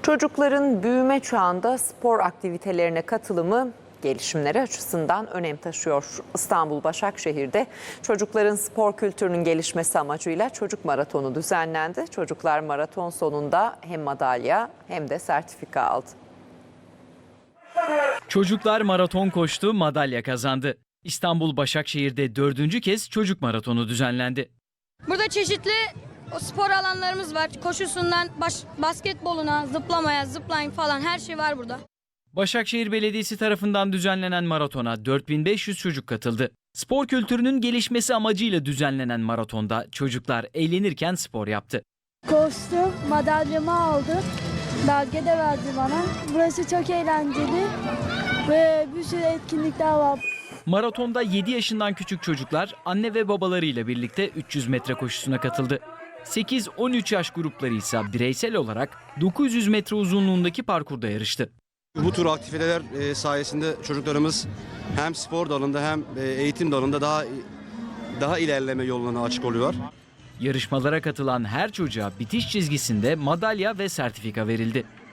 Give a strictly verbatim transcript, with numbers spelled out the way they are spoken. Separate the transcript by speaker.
Speaker 1: Çocukların büyüme çağında spor aktivitelerine katılımı gelişimleri açısından önem taşıyor. İstanbul Başakşehir'de çocukların spor kültürünün gelişmesi amacıyla çocuk maratonu düzenlendi. Çocuklar maraton sonunda hem madalya hem de sertifika aldı.
Speaker 2: Çocuklar maraton koştu, madalya kazandı. İstanbul Başakşehir'de dördüncü kez çocuk maratonu düzenlendi.
Speaker 3: Burada çeşitli o spor alanlarımız var. Koşusundan baş, basketboluna, zıplamaya, zipline falan her şey var burada.
Speaker 2: Başakşehir Belediyesi tarafından düzenlenen maratona dört bin beş yüz çocuk katıldı. Spor kültürünün gelişmesi amacıyla düzenlenen maratonda çocuklar eğlenirken spor yaptı.
Speaker 4: Koştum, madalyamı aldım. Belge de verdi bana. Burası çok eğlenceli ve bir sürü etkinlikler var.
Speaker 2: Maratonda yedi yaşından küçük çocuklar anne ve babalarıyla birlikte üç yüz metre koşusuna katıldı. sekiz on üç yaş grupları ise bireysel olarak dokuz yüz metre uzunluğundaki parkurda yarıştı.
Speaker 5: Bu tür aktiviteler sayesinde çocuklarımız hem spor dalında hem eğitim dalında daha daha ilerleme yoluna açık oluyor.
Speaker 2: Yarışmalara katılan her çocuğa bitiş çizgisinde madalya ve sertifika verildi.